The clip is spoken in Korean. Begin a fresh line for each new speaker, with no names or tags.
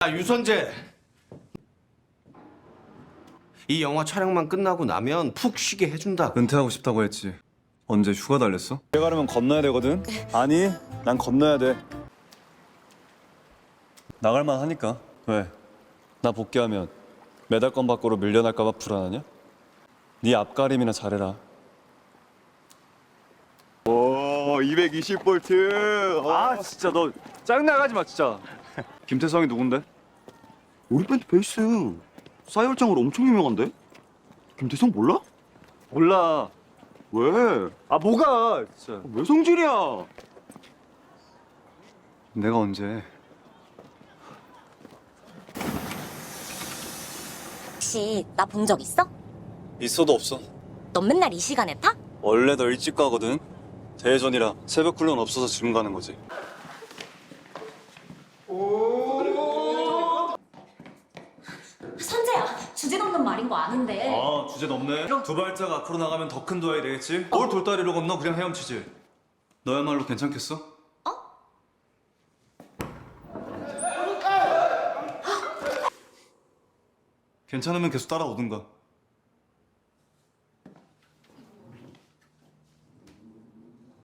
유선재. 이 영화 촬영만 끝나고 나면 푹 쉬게 해준다.
은퇴하고 싶다고 했지. 언제 휴가 달랬어? 내가 가려면 건너야 되거든. 아니, 난 건너야 돼. 나갈만 하니까. 왜? 나 복귀하면 메달권 밖으로 밀려날까봐 불안하냐? 네 앞가림이나 잘해라. 오, 220볼트. 아, 진짜 너 짜증나가지 마, 진짜. 김태성이 누군데?
우리 밴드 베이스 싸이월장으로 엄청 유명한데? 김태성 몰라?
몰라.
왜?
아, 뭐가? 진짜.
왜 성질이야?
내가 언제?
혹시 나 본 적 있어?
있어도 없어.
넌 맨날 이 시간에 타?
원래 너 일찍 가거든. 대회전이라 새벽 훈련 없어서 지금 가는 거지.
선재야, 주제 넘는 말인 거 아는데.
아, 주제 넘네. 두 발짝 앞으로 나가면 더 큰 도약이 되겠지. 뭘 돌다리로 건너 그냥 헤엄치지. 너야말로 괜찮겠어? 괜찮으면 계속 따라오든가.